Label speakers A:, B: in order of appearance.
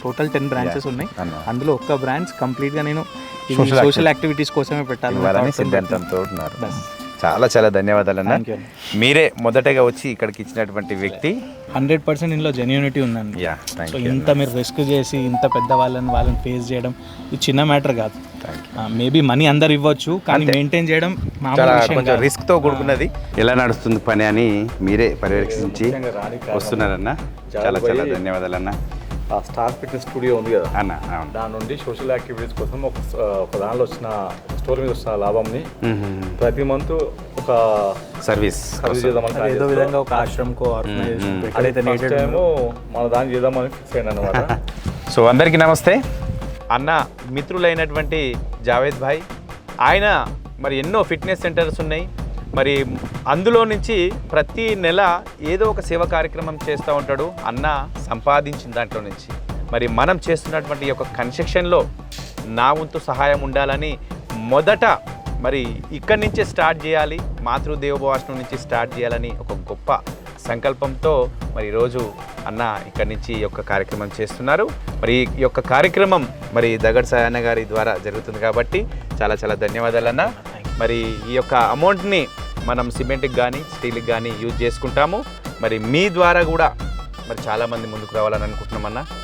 A: Total 10 branches ఉన్నాయి. అందులో ఒక్క బ్రాంచ్ కంప్లీట్గా నేను సోషల్ యాక్టివిటీస్ కోసమే పెట్టాలని
B: సిద్ధాంతంతో ఉన్నారు. చాలా చాలా ధన్యవాదాలు అన్న. మీరే మొదటగా వచ్చి ఇక్కడికి ఇచ్చినటువంటి వ్యక్తి.
A: 100% ఇందులో జెన్యూనిటీ ఉందండి. సో ఇంత మీరు రిస్క్ చేసి ఇంత పెద్ద వాళ్ళని ఫేస్ చేయడం ఇది చిన్న మ్యాటర్ కాదు. మేబీ మనీ అందరు ఇవ్వచ్చు, కానీ మెయింటైన్ చేయడం
B: కొంచెం రిస్క్ తో కూడుకున్నది. ఎలా నడుస్తుంది పని అని మీరే పర్యవేక్షించి వస్తున్నారన్న. చాలా చాలా ధన్యవాదాలు అన్న.
C: ఆ స్టార్ ఫిట్నెస్ స్టూడియో ఉంది కదా
B: అన్న,
C: దాని నుండి సోషల్ యాక్టివిటీస్ కోసం ఒక దానిలో వచ్చిన స్టోర్ మీద వచ్చిన లాభంని ప్రతి మంత్ ఒక
B: సర్వీస్
C: చేద్దామని
A: ఏదో విధంగా ఒక ఆశ్రమకో
C: మన దాన్ని చేద్దామని ఫిక్స్ అయ్యాను అనమాట.
B: సో అందరికీ నమస్తే. అన్న మిత్రులైనటువంటి జావేద్ భాయ్, ఆయన మరి ఎన్నో ఫిట్నెస్ సెంటర్స్ ఉన్నాయి. మరి అందులో నుంచి ప్రతి నెల ఏదో ఒక సేవ కార్యక్రమం చేస్తూ ఉంటాడు అన్న సంపాదించిన దాంట్లో నుంచి. మరి మనం చేస్తున్నటువంటి యొక్క కన్స్ట్రక్షన్లో నా వంతు సహాయం ఉండాలని మొదట మరి ఇక్కడి నుంచే స్టార్ట్ చేయాలి, మాతృదేవోభవాసనం నుంచి స్టార్ట్ చేయాలని ఒక గొప్ప సంకల్పంతో మరి ఈరోజు అన్న ఇక్కడి నుంచి ఈ యొక్క కార్యక్రమం చేస్తున్నారు. మరి ఈ యొక్క కార్యక్రమం మరి దగడ్ సాయన్న గారి ద్వారా జరుగుతుంది కాబట్టి చాలా చాలా ధన్యవాదాలు అన్న. మరి ఈ యొక్క అమౌంట్ని మనం సిమెంట్కి కానీ స్టీల్కి కానీ యూజ్ చేసుకుంటాము. మరి మీ ద్వారా కూడా మరి చాలామంది ముందుకు రావాలని అనుకుంటున్నామన్నా.